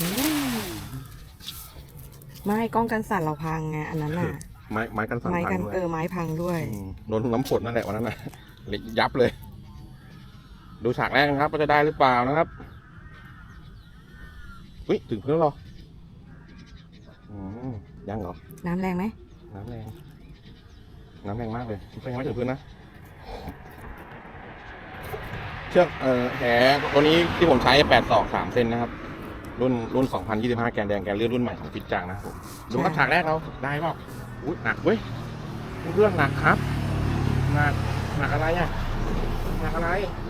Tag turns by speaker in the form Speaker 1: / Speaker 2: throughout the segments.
Speaker 1: ไม่กล้องกันสั่นเราพังไงอันนั้นน่ะ
Speaker 2: ไม้กันสั่น
Speaker 1: ไม้
Speaker 2: พั
Speaker 1: กั
Speaker 2: ง
Speaker 1: น
Speaker 2: ด้วย
Speaker 1: ไม้พังด้วย
Speaker 2: โดนน้ำฝนนั่นแหละวันนั้นน่ะเละยับเลย ดูฉากแรกนะครับว่าจะได้หรือเปล่านะครับอุ้ยถึงพื้นแล้วเหรอยังเหรอ
Speaker 1: น้ำแรงไหม
Speaker 2: น้ำแรงมากเลยยังไม่ถึงพื้นนะเชือกแหตัวนี้ที่ผมใช้8 ศอก 3 เซนนะครับรุ่น 2025 แกนแดงแกนเลื่อนรุ่นใหม่ของฟิตจังนะครับผมดูครับฉากแรกเราได้เปล่าอุ้ยหนักเว้ยเรื่องหนักครับหนักอะไรอ่ะหนักอะไร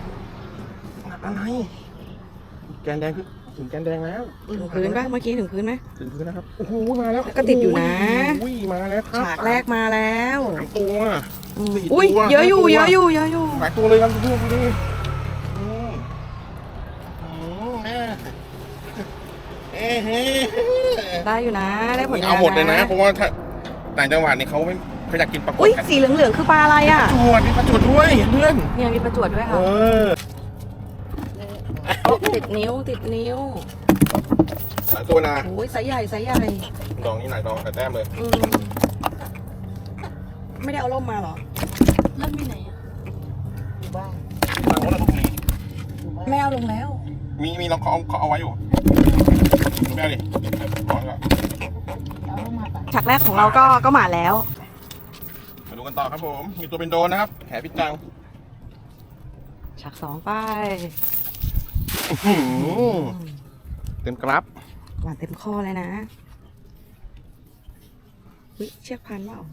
Speaker 2: แกนแดงคือถึงแกนแดงแล้ว
Speaker 1: ถึงพื้นป่ะเมื่อกี้ถึงพื้นไหม
Speaker 2: ถึงพื้นนะครับโอ้โหมาแล้ว
Speaker 1: ก็ติดอยู่นะ
Speaker 2: อุ้ยมาแล้วครับ
Speaker 1: ฉากแรกมาแล้ว
Speaker 2: 3 ตัว
Speaker 1: อุ้ยเยอะอยู่
Speaker 2: 4
Speaker 1: เยอะอยู่เยอะอยู่
Speaker 2: หลายตัวเลยครับดูดิ
Speaker 1: ได้อยู่นะได้ผลงาน
Speaker 2: เอาหมดเลยนะเพราะว่าถ้าต่างจังหวัดนี่เขาไม่เขาอยากกินปลาก
Speaker 1: อุ้
Speaker 2: ด
Speaker 1: ย
Speaker 2: กัน
Speaker 1: สีเหลืองๆคือปลาอะไรอ่ะ
Speaker 2: มีปลาจวดด้วยเพื่อน
Speaker 1: เนี่ยมีประจวดด้วยค่ะติดนิ้ว
Speaker 2: หลายตัวนะ
Speaker 1: โอ้ยไซส์ใหญ่
Speaker 2: ดองนี่หลายดองแต่แต้มเลย
Speaker 1: ไม่ได้เอาร่มมาเหรอ
Speaker 3: เริ่มที่ไหนอ่ะ
Speaker 1: อยู่บ้าน
Speaker 2: หลังว่าเราต้องมี
Speaker 1: ไม่เอาลงแล้ว
Speaker 2: มีเราเขาเอาไว้อยู่ไม่เอาดิร้อนแล้ว
Speaker 3: เอาลงมาปะ
Speaker 1: ฉากแรกของเราก็มาแล้ว
Speaker 2: มาดูกันต่อครับผมมีตัวเป็นโดนนะครับแหพิจัง
Speaker 1: ฉาก2ไป
Speaker 2: เต็มกรับ
Speaker 1: หวานเต็มข้อเลยนะอุ๊ยเชือกพันเปล่า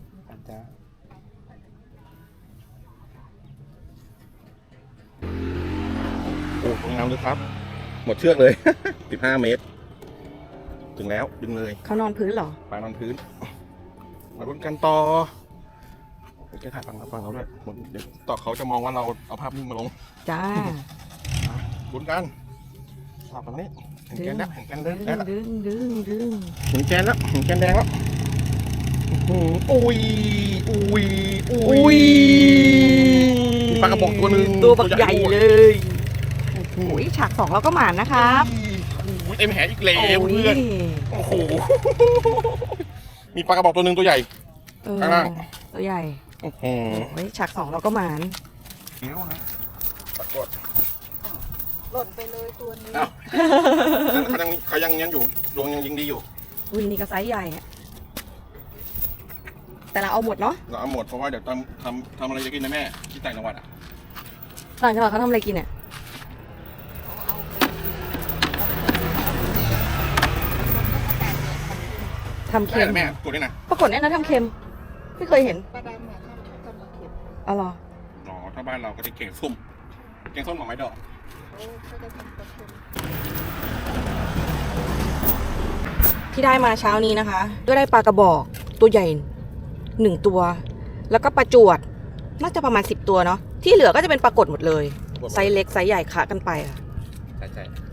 Speaker 2: โอ้งามเลยครับ หมดเชือกเลย 15 เมตร ถึงแล้วดึงเลย
Speaker 1: เขานอนพื้นเหรอ
Speaker 2: ปลานอนพื้น มาลุ้นกันต่อแกถ่ายฟังเราด้วยเดี๋ยวต่อเขาจะมองว่าเราเอาภาพนิ่งมาลง
Speaker 1: จ้า
Speaker 2: ลุ้นกันภาพตรงนี้เห็นแกนแล้วเห็นแกนแล้ว
Speaker 1: ดึง
Speaker 2: เห็นแกนแล้วเห็นแกนแดงแล้วอุ้ยมีปลากระบอกตัวหนึ่ง
Speaker 1: ตัวบักใหญ่เลยโอ้ยฉาก2เราก็หมานนะครับ
Speaker 2: เต็มแหอีกแล้วเพื่อนโอ้โหมีปลากระบอกตัวหนึ่งตัวใหญ่ ข้างล่าง
Speaker 1: ตัวใหญ่
Speaker 2: โอ้โห
Speaker 1: โอ้ยฉาก2เราก็หมาน
Speaker 2: เดี๋ยวนะปรากฏ
Speaker 3: หล่นไปเลยตัวนี้
Speaker 2: อ้าวเขายังอยู่ดวงยังยิงดีอยู่
Speaker 1: อุ้ยนี่ก็ไซส์ใหญ่อะแต่เราเอาหมดเนาะ
Speaker 2: เราเอาหมดเพราะว่าเดี๋ยวทำอะไรจะกินนะแม่ที่ต่างจังหวัดอ่ะ
Speaker 1: ต่างจังหวัดเขาทำอะไรกินเนี่ยทำเค็ม
Speaker 2: แม่ตัวนี้นะ
Speaker 1: ปรากฏเนี่ยนะทำเค็มไม่เคยเห็น
Speaker 3: ปลาดำอ่ะทำมาเก็บ
Speaker 1: อ๋อเหรอ
Speaker 2: อ๋อถ้าบ้านเราก็จะเก่งส้มหน่อไม้ดอก
Speaker 3: เขาจะทำปลาเค็ม
Speaker 1: ที่ได้มาเช้านี้นะคะก็ได้ปลากระบอกตัวใหญ่1 ตัว แล้วก็ปลาจวดน่าจะประมาณ10 ตัวเนาะที่เหลือก็จะเป็นปลากดหมดเลยไซส์เล็กไซส์ใหญ่คะกันไปค่ะ
Speaker 2: ใช่